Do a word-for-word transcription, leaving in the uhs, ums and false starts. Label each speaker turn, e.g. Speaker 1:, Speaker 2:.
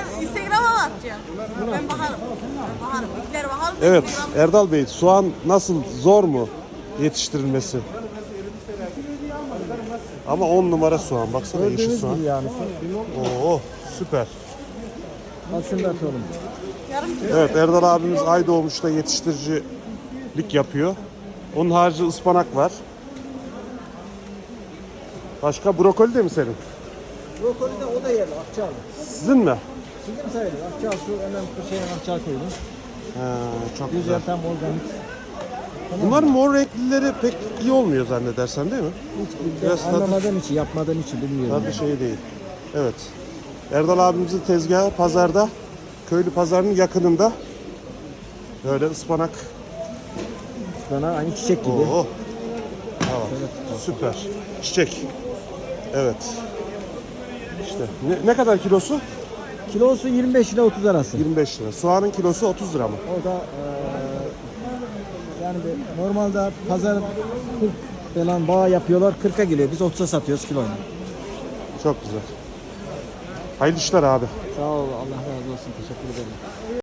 Speaker 1: Ben Instagram'a mı atacağım? Ben bakarım. Ben bakarım. İlkleri bakalım.
Speaker 2: Evet
Speaker 1: Instagram'a-
Speaker 2: Erdal Bey, soğan nasıl, zor mu yetiştirilmesi? Ama on numara soğan, baksana yeşil
Speaker 3: Gördüğünüz
Speaker 2: soğan.
Speaker 3: gibi yani.
Speaker 2: Oo süper.
Speaker 3: Al şunu da atalım.
Speaker 1: Yarım kilo.
Speaker 2: Evet Erdal abimiz Aydoğmuş'ta yetiştiricilik yapıyor. Onun harici ıspanak var. Başka brokoli de mi senin?
Speaker 3: Brokoli de o da yerli. Akçalı.
Speaker 2: Sizin mi?
Speaker 3: Sizin sayılır. Akçalı şu hemen şeyin akçalı koydum.
Speaker 2: Ha, çok güzel.
Speaker 3: Güzel tam organik.
Speaker 2: Bunların mor renklileri pek iyi olmuyor zannedersen değil mi?
Speaker 3: Hiç
Speaker 2: Biraz
Speaker 3: ben
Speaker 2: tadı-
Speaker 3: anlamadığım için, yapmadığım için bilmiyorum.
Speaker 2: Tadı şey değil. Evet. Erdal abimizin tezgahı pazarda, köylü pazarının yakınında. Böyle ıspanak.
Speaker 3: Bana aynı çiçek gibi.
Speaker 2: Oo. Tamam. Süper. Çiçek. Evet. İşte ne, ne kadar kilosu?
Speaker 3: Kilosu yirmi beş ile otuz arası.
Speaker 2: yirmi beş lira. Soğanın kilosu otuz lira mı?
Speaker 3: O da eee yani bir- normalde pazar kırk falan bağ yapıyorlar, kırka geliyor. Biz otuza satıyoruz kiloyla.
Speaker 2: Çok güzel. Hayırlı işler abi.
Speaker 3: Sağ ol, Allah razı olsun. Teşekkür ederim.